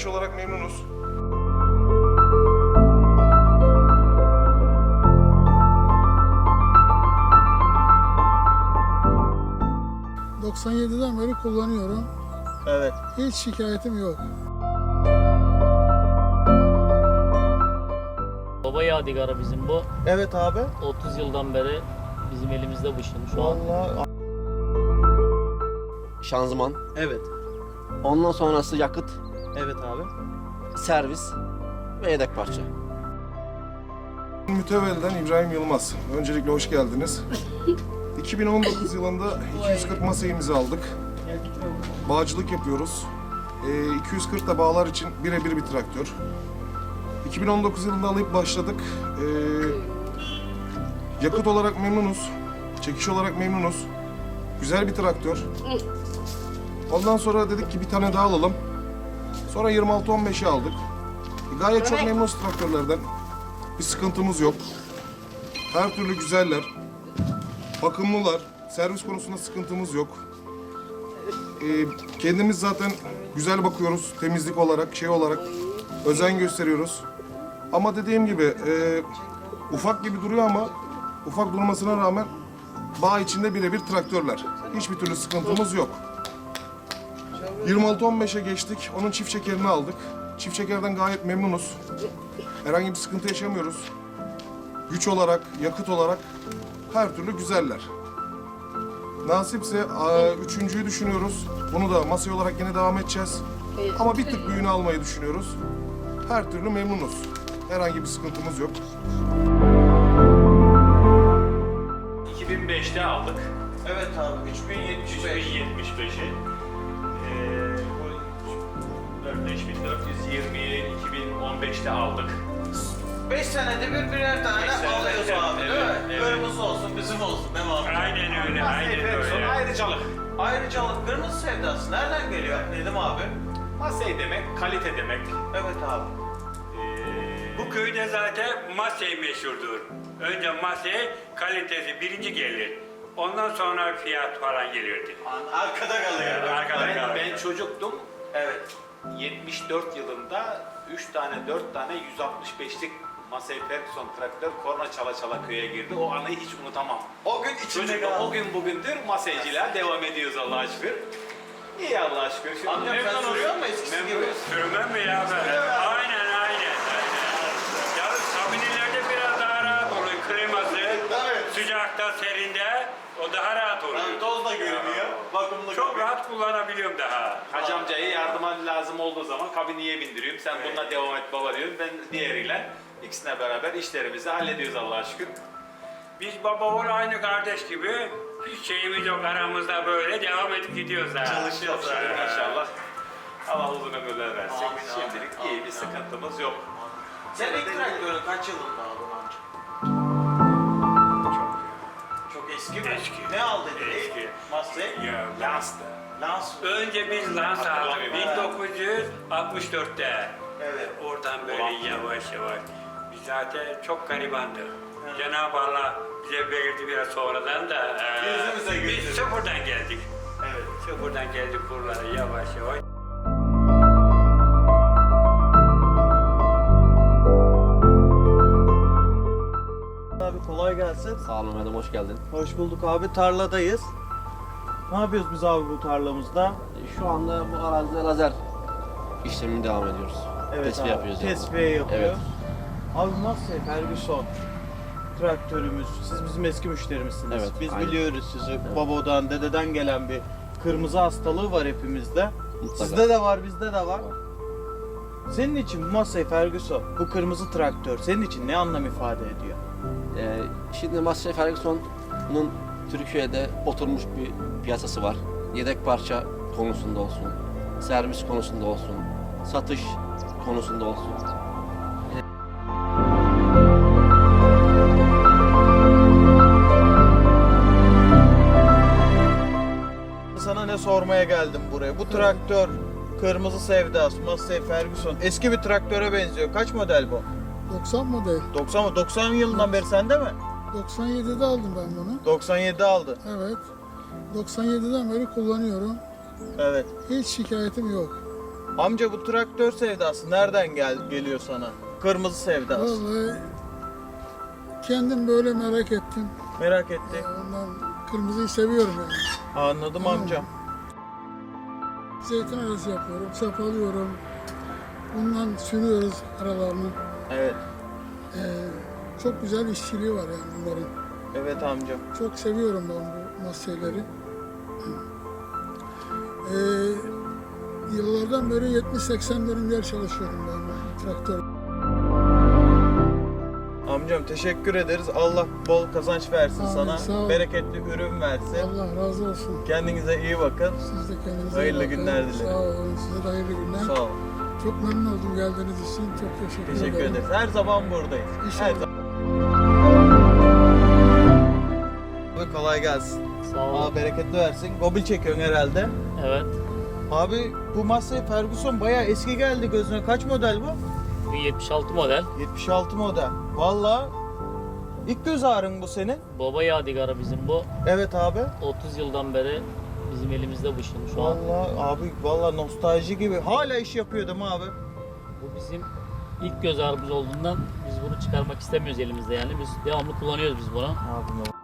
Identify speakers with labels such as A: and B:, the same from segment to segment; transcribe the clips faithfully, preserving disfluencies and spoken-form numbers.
A: çekiş olarak memnunuz.
B: doksan yediden beri kullanıyorum.
C: Evet.
B: Hiç şikayetim yok.
D: Baba yadigarı bizim bu.
C: Evet abi.
D: otuz yıldan beri bizim elimizde bu şimdi şu an.
C: Vallahi.
E: Şanzıman,
C: Evet.
E: ondan sonrası yakıt,
C: Evet abi.
E: servis ve yedek parça.
A: Mütevelden İbrahim Yılmaz. Öncelikle hoş geldiniz. iki bin on dokuz yılında iki yüz kırk masayımızı aldık. Bağcılık yapıyoruz. Ee, iki yüz kırk da bağlar için birebir bir traktör. iki bin on dokuz yılında alıp başladık. Ee, yakıt olarak memnunuz. Çekiş olarak memnunuz. Güzel bir traktör. Ondan sonra dedik ki bir tane daha alalım. Sonra yirmi altı on beşi aldık. E, gayet çok memnunuz traktörlerden. Bir sıkıntımız yok. Her türlü güzeller. Bakımlılar. Servis konusunda sıkıntımız yok. Ee, kendimiz zaten güzel bakıyoruz. Temizlik olarak, şey olarak özen gösteriyoruz. Ama dediğim gibi e, ufak gibi duruyor ama ufak durmasına rağmen bağ içinde birebir traktörler. Hiçbir türlü sıkıntımız yok. yirmi altı on beşe geçtik. Onun çift şekerini aldık. Çift şekerden gayet memnunuz. Herhangi bir sıkıntı yaşamıyoruz. Güç olarak, yakıt olarak her türlü güzeller. Nasipse a, üçüncüyü düşünüyoruz. Bunu da masaya olarak yine devam edeceğiz. Ama bir tık büyüğünü almayı düşünüyoruz. Her türlü memnunuz. Herhangi bir sıkıntımız yok.
F: iki bin beşte aldık.
C: Evet abi. üç bin yetmiş beş.
F: üç bin yetmiş beşi. Ee, bu beş bin dört yüz yirmiyi iki bin on beşte aldık.
C: beş senede bir birer tane
F: Beş senede
C: alıyoruz
F: bir,
C: abi değil
F: evet,
C: mi?
F: evet.
C: Kırmızı olsun, bizim olsun değil mi abi?
F: Aynen öyle, aynen öyle. Ayrıcalık.
C: Ayrıcalık kırmızı sevdası nereden geliyor Nedim abi?
F: Masey demek, kalite demek.
C: Evet abi.
F: Ee,
G: Bu köyde zaten Masey meşhurdur. Önce Masey kalitesi birinci gelir. Ondan sonra fiyat falan gelirdi.
C: Arkada kalıyor.
G: Arkada
F: ben,
G: kalır.
F: ben çocuktum.
C: Evet.
F: yetmiş dört yılında üç tane, dört tane yüz altmış beşlik Massey Ferguson traktör korna çala çala köye girdi. O anıyı hiç unutamam.
C: O gün içinde
F: Çocuklar
C: kaldı.
F: o gün bugündür Massey'ciler devam ediyoruz Allah'a şükür. İyi Allah'a şükür. Şimdi
C: Amcam sen
F: memnunuz.
C: sürüyor musun eskisi
F: Memnunuz.
C: gibi?
G: Sürmem mi ya böyle?
C: Sürüyor ya.
G: Aynen aynen. Ya kabinelerde biraz daha rahat oluyor. Kliması,
C: Tabii.
G: sıcakta, serinde o daha rahat oluyor.
C: Lan toz da görünüyor. Bakımlı
G: Çok
C: gibi.
G: rahat kullanabiliyorum daha.
F: Hacı amcayı yardıma lazım olduğu zaman kabiniye bindiriyorum. Sen bununla devam et baba diyorum. Ben diğeriyle ikisine beraber işlerimizi hallediyoruz Allah'a şükür.
G: Biz baba oğul aynı kardeş gibi hiç şeyimiz yok aramızda böyle devam edip gidiyoruz ha.
F: Çalışıyoruz
G: Çok şükür.
F: inşallah. Allah uzun ömürler versin.
C: Amin, amin,
F: Şimdilik iyi
C: amin,
F: bir
C: amin.
F: sıkıntımız yok.
C: Sen ilk traktörü kaç yılında aldın amca? Çok eski mi?
G: Eski.
C: Ne aldın?
G: Eski.
C: Massey?
G: Ya Lans'tı.
C: Lans.
G: Önce biz Lans aldık
F: Hatırlamıyorum.
G: bin dokuz yüz altmış dörtte.
C: Evet.
G: Oradan böyle
F: Ulan.
G: yavaş yavaş. Biz zaten çok garibandık. Cenab-ı Allah bize verdi biraz sonradan da. e,
C: Yüzümüze
G: Biz
C: güldü.
G: sıfırdan geldik.
C: Evet.
G: Sıfırdan geldik buralara yavaş yavaş.
C: Abi kolay gelsin.
E: Sağ olun Mehmet, hoş geldin.
C: Hoş bulduk abi. Tarladayız. Ne yapıyoruz biz abi bu tarlamızda?
E: Şu anda bu arazide lazer işlemini devam ediyoruz. Tesbih
C: abi,
E: yapıyoruz yani.
C: Tesviye yapıyor.
E: Evet.
C: Abi Massey Ferguson traktörümüz. Siz bizim eski müşterimizsiniz.
E: Evet,
C: Biz
E: aynen.
C: biliyoruz sizi. Babadan, dededen gelen bir kırmızı hastalığı var hepimizde.
E: Mutlaka.
C: Sizde de var, bizde de var. Senin için bu Massey Ferguson, bu kırmızı traktör senin için ne anlam ifade ediyor?
E: Ee, şimdi Massey Ferguson'un Türkiye'de oturmuş bir piyasası var. Yedek parça konusunda olsun, servis konusunda olsun, satış konusunda olsun.
C: Sana ne sormaya geldim buraya? Bu traktör kırmızı sevdas, Massey Ferguson eski bir traktöre benziyor. Kaç model bu?
B: doksan model.
C: doksan mı? doksan yılından beri sende mi?
B: doksan yedide aldım ben bunu.
C: doksan yedi aldı.
B: Evet. doksan yediden beri kullanıyorum.
C: Evet.
B: Hiç şikayetim yok.
C: Amca bu traktör sevdası nereden gel geliyor sana? Kırmızı sevdası.
B: Vallahi kendim böyle merak ettim.
C: Merak etti.
B: Ondan kırmızıyı seviyorum yani.
C: Anladım amcam.
B: Zeytin arası yapıyorum, sapalıyorum. Bundan sürüyoruz aralarını.
C: Evet.
B: Ee, çok güzel işçiliği var yani bunların.
C: Evet amcam.
B: Çok seviyorum ben bu maskeleri. Ee, yıllardan beri yetmiş seksen dönümler çalışıyorum ben bu traktör.
C: Amcam teşekkür ederiz. Allah bol kazanç versin
B: Amin,
C: sana.
B: sağ ol.
C: Bereketli ürün versin.
B: Allah razı olsun.
C: Kendinize iyi bakın.
B: Siz de kendinize
C: Hayırlı
B: iyi bakın.
C: günler dilerim.
B: Sağ olun. Size de hayırlı günler.
C: Sağ ol.
B: Çok memnun oldum geldiğiniz için. Çok teşekkür,
C: Teşekkür
B: ederim.
C: ederiz. Her zaman buradayız.
B: İnşallah.
C: Her zaman. Abi kolay gelsin.
D: Sağ ol.
C: Allah bereketli versin. Gobil çekiyorsun herhalde.
D: Evet.
C: Abi bu Massey Ferguson bayağı eski geldi gözüne. Kaç model bu?
D: Bu yetmiş altı model.
C: yetmiş altı model. Vallahi ilk göz ağrın bu senin.
D: Baba yadigarı bizim bu.
C: Evet abi.
D: otuz yıldan beri bizim elimizde bu şimdi şu an.
C: Vallahi abi vallahi nostalji gibi. Hala iş yapıyordum abi.
D: Bu bizim ilk göz ağrımız olduğundan biz bunu çıkarmak istemiyoruz elimizde yani. Biz devamlı kullanıyoruz biz bunu.
C: Abi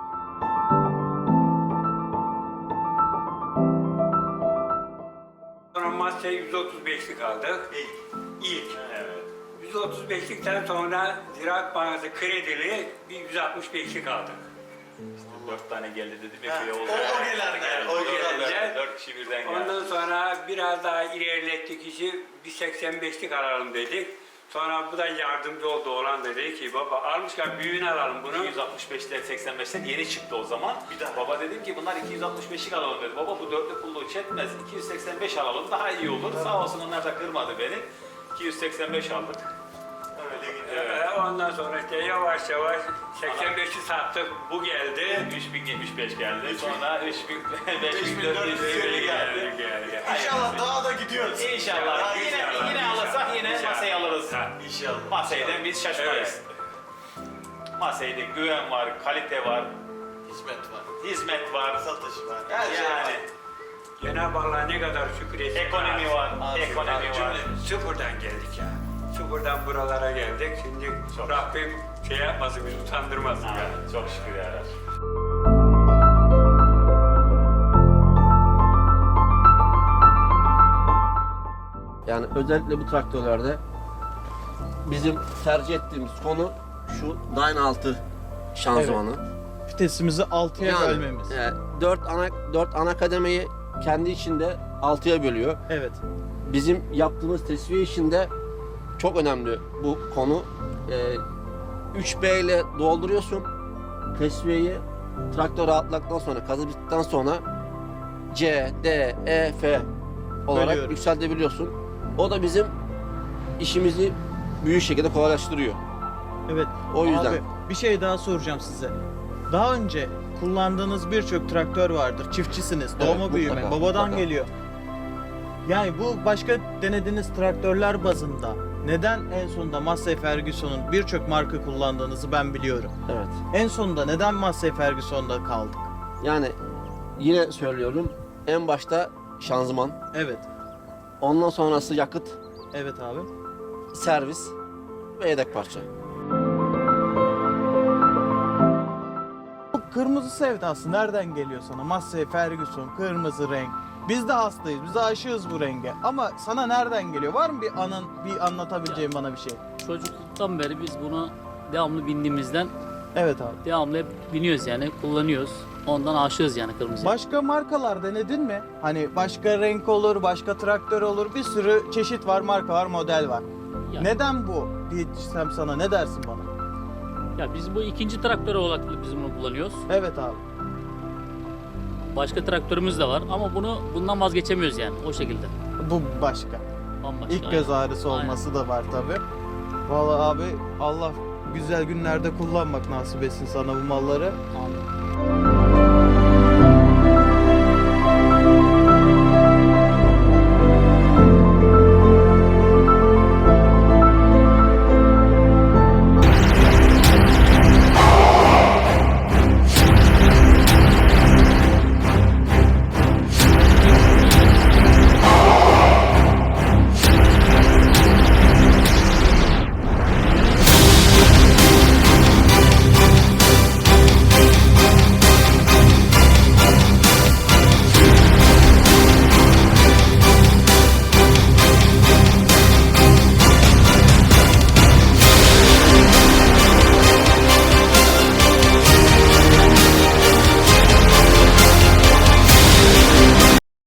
G: Sonra Massey yüz otuz beşlik aldık. İlk. İlk. Evet. yüz otuz beşlikten sonra Ziraat Bankası kredili bir yüz altmış beşlik aldık.
F: Dört tane geldi dedim ya.
G: Ha,
F: köye oldu.
G: o- o gelenler geldi, o gelenler.
F: Dört kişi birden geldi.
G: Ondan sonra biraz daha ilerlettik işi, bir seksen beşlik alalım dedik. Sonra bu da yardımcı oldu, olan da dedi ki baba almışken büyüğünü alalım bunu.
F: iki yüz altmış beşler seksen beşler yeni çıktı o zaman. Bir daha. Baba dedim ki bunlar iki yüz altmış beşlik alalım dedi. Baba bu dörtlü pulluğu çetmez. iki yüz seksen beş alalım daha iyi olur. Sağ olsun onlar da kırmadı beni. iki yüz seksen beş aldık. Öyle gidiyor. Evet.
G: Ee, Ondan sonra işte yavaş yavaş seksen beşi sattık, bu geldi.
F: üç bin yetmiş beş geldi. Sonra üç bin beş bin dört yüz elli geldi.
G: geldi.
F: İnşallah
H: daha da gidiyoruz.
F: İnşallah. Yine
G: İnşallah,
F: yine
G: inşallah.
F: alırsak yine
G: İnşallah.
F: masayı alırız.
G: Ha.
H: İnşallah.
F: Masayden biz şaşmayız. Masayda güven var, kalite var,
H: Hizmet var.
F: hizmet var,
H: Satış var. Her şey
F: yani
H: var.
G: Cenab-ı Allah'a ne kadar şükür etsin.
F: ekonomi var,
H: Amin.
F: ekonomi var.
H: Cümlemiz.
G: Sıfırdan geldik ya. Sıfırdan buralara geldik. Şimdi
F: Çok.
G: Rabbim şey yapmasın, bizi utandırmasın
F: Ha,
G: ya.
F: çok şükür ya.
E: Yani özellikle bu traktörlerde bizim tercih ettiğimiz konu şu Dyne altı şanzımanı.
C: Vitesimizi altıya
E: Yani
C: bölmemiz.
E: e, dört ana dört ana kademeyi kendi içinde altıya bölüyor.
C: Evet.
E: Bizim yaptığımız tesviye işinde çok önemli bu konu. E, üç B ile dolduruyorsun. Tesviyeyi traktör rahatladıktan sonra, kazı bittikten sonra C, D, E, F olarak
C: Bölüyorum.
E: yükseltebiliyorsun. O da bizim işimizi büyük şekilde kolaylaştırıyor.
C: Evet.
E: O yüzden.
C: Abi bir şey daha soracağım size. Daha önce kullandığınız birçok traktör vardır. Çiftçisiniz.
E: Evet,
C: Doğma büyüme.
E: mutlaka,
C: Babadan
E: mutlaka.
C: geliyor. Yani bu başka denediğiniz traktörler bazında neden en sonunda Massey Ferguson'un birçok marka kullandığınızı ben biliyorum.
E: Evet.
C: En sonunda neden Massey Ferguson'da kaldık?
E: Yani yine söylüyorum. En başta şanzıman,
C: Evet.
E: ondan sonrası yakıt,
C: Evet abi.
E: servis ve yedek parça.
C: Bu kırmızı sevdası nereden geliyor sana? Massey Ferguson, kırmızı renk. Biz de hastayız, biz de aşığız bu renge. Ama sana nereden geliyor? Var mı bir anın, bir anlatabileceğin bana bir şey?
D: Çocukluktan beri biz bunu devamlı bindiğimizden
C: Evet abi.
D: devamlı hep biniyoruz yani kullanıyoruz. Ondan aşığız yani kırmızıya.
C: Başka markalar denedin mi? Hani başka renk olur, başka traktör olur. Bir sürü çeşit var, marka var, model var.
D: Ya-
C: Neden bu diyeceğim sana, ne dersin bana?
D: Ya biz bu ikinci traktör olarak biz bunu kullanıyoruz.
C: Evet abi.
D: Başka traktörümüz de var ama bunu bundan vazgeçemiyoruz yani o şekilde.
C: Bu başka.
D: Bambaşka.
C: İlk göz
D: aynen.
C: ağrısı olması da var tabi. Vallahi abi Allah güzel günlerde kullanmak nasip etsin sana bu malları.
D: Amin.